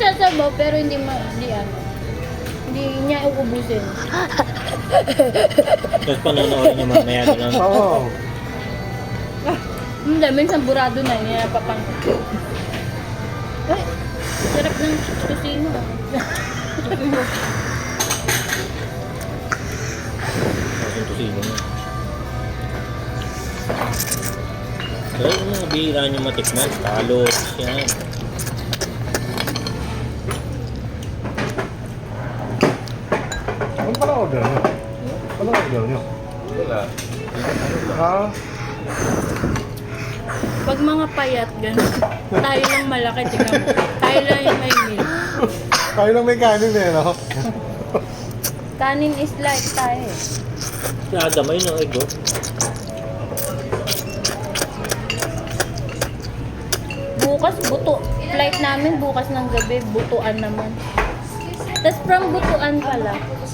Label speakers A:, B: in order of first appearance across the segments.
A: sasabaw pero hindi ano. Hindi niya uubusin.
B: Tapos panonood niyo mamaya doon.
C: Oo.
A: Hindi, minsan burado na, hindi na papang. Ay, sarap ng tusino.
B: Tusino niya. Pero yung mga bihira niyo matikman, talot, yan.
C: Ano pala order niyo? Ano order niyo?
D: Wala.
C: Ha?
A: Pag mga payat, gano'n. Tayo lang malaki, tingnan mo. Tayo lang yung may meal.
C: Tayo lang may kanin eh, no?
A: Kanin is like tayo.
B: Si Adam ay no, ego.
A: Bukas, buto. Flight namin bukas ng gabi, butuan naman. Tapos from butuan pala.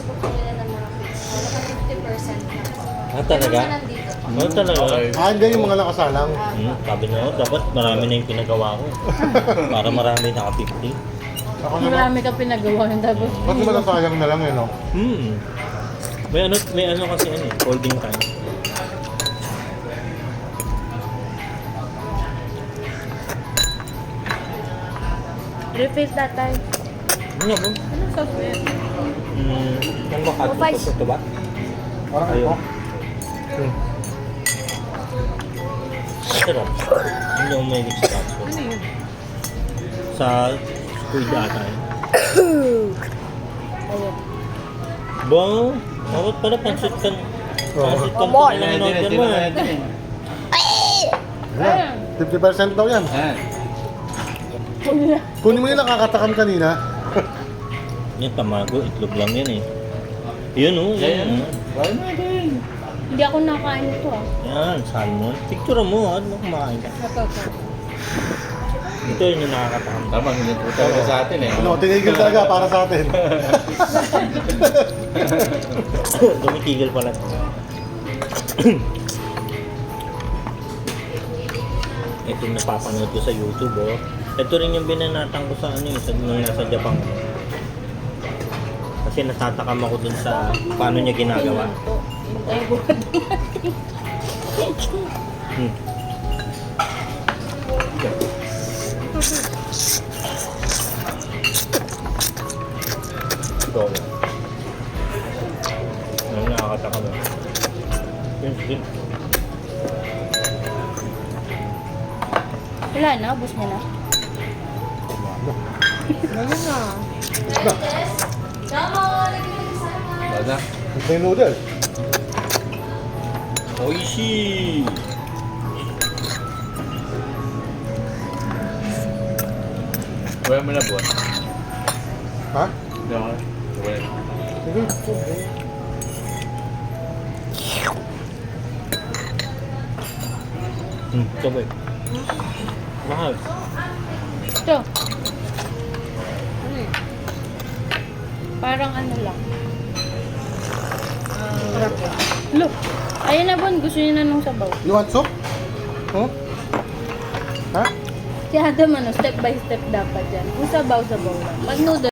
B: Ah, talaga? Ano talaga?
C: Ah, hindi yung mga nakasalang.
B: Sabi niya, dapat marami na yung pinagawa ko. Para marami naka-50.
C: Ako naman,
A: Marami ka pinagawa yung tapos.
C: ba't naman nasayang na lang eh, no?
B: May ano kasi ano, holding time.
A: Refill tatay.
B: Ano nga ba?
A: Ano sauce ba yan?
B: Ang bakit
A: Oh, Vice.
B: ito ba?
C: Parang
B: Ayun.
C: ako.
B: Sarap. Hindi ako mahilig sa katso.
A: Ano yun?
B: Sa squid ata yun.
A: Ayun.
B: Ba? Dapat pala pansit kan. Pansit kan
A: Come on.
B: na in-order mo.
C: Ayan, 50% daw yan. Kunin mo yung nakakatakam kanina.
B: Yan, tamago. Itlog lang yan eh. Yun oh. Yan.
A: Hindi ako nakain ito ah.
B: Yan, salmon. Picture mo. Ano kumakain ka? Ito yun yung nakakatakam.
D: Tama, hindi po talaga sa atin eh.
C: Ano, tinigil talaga para sa atin.
B: Tumitigil pala. Ito yung napapanood ko sa YouTube oh. Ito rin yung binanatan ko sa ano yung nung nasa Japan. Kasi natatakam ako dun sa paano niya ginagawa.
A: Ay, buwan natin.
B: Ito. Ano nakakatakam oh. Yun.
A: Wala na, ubos niya na. Wala na.
D: Wala.
C: Ito yung noodles.
B: Oishi!
D: Wala mo na buwan.
C: Ha?
D: Hindi ako. Wala.
C: Sige.
B: Sabay. Mahal.
A: Ito. Parang ano lang. Look. Ayun na Bon, gusto niya na nung sabaw.
C: You want soup? Huh? Ha?
A: Si Adam ano, step by step dapat yan. Kung sabaw-sabaw lang. Pag noodle,